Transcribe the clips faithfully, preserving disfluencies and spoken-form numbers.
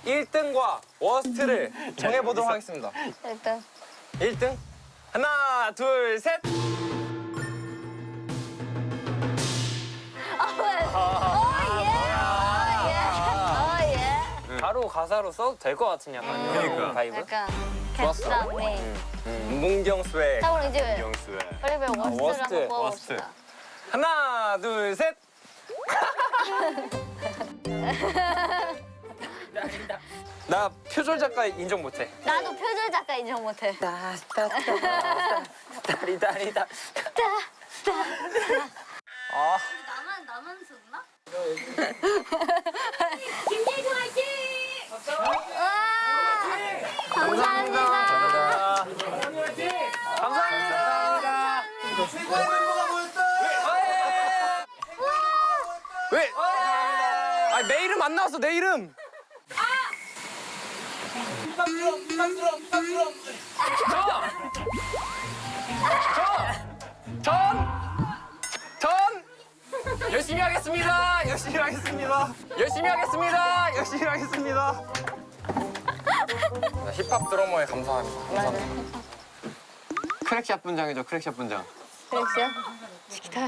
일 등과 워스트를 정해보도록 하겠습니다. 일단 일 등 하나, 둘, 셋. 바로 가사로 써도 될 것 같은 약간 음. 그러니까. 바이브. 약간 좋았어. 개싸움이. 음, 문경수의 자 그럼 이제 영수의 빨리빨리 워스트를 워스트, 한번 뽑아봅시다. 워스트. 하나, 둘, 셋. 나 표절 작가 인정 못해. 나도 표절 작가 인정 못해. 다리다리다. 아. 나만 나만 썼나? 김예주 화이팅! 감사합니다. 감사합니다. 최고의 멤버가 모였다. 왜? 아, 내 이름 안 나왔어, 내 이름. 부담스러워, 부담스러워, 부담스러워. 전! 전! 열심히 하겠습니다. 열심히 하겠습니다. 열심히 하겠습니다. 열심히 하겠습니다. 힙합 드러머에 감사합니다. 감사합니다. 크랙샷 분장이죠, 크랙샷 분장. 그랬어요? 치키타.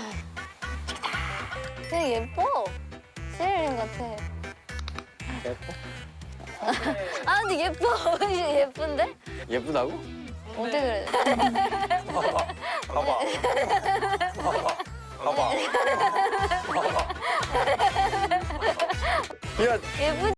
되게 예뻐. 시리린 같아. 예뻐? 아 근데 예뻐. 예쁜데? 예쁘다고? 어떻게 그래? 봐봐. 봐봐. 봐봐. 봐봐. 야, 예쁘지?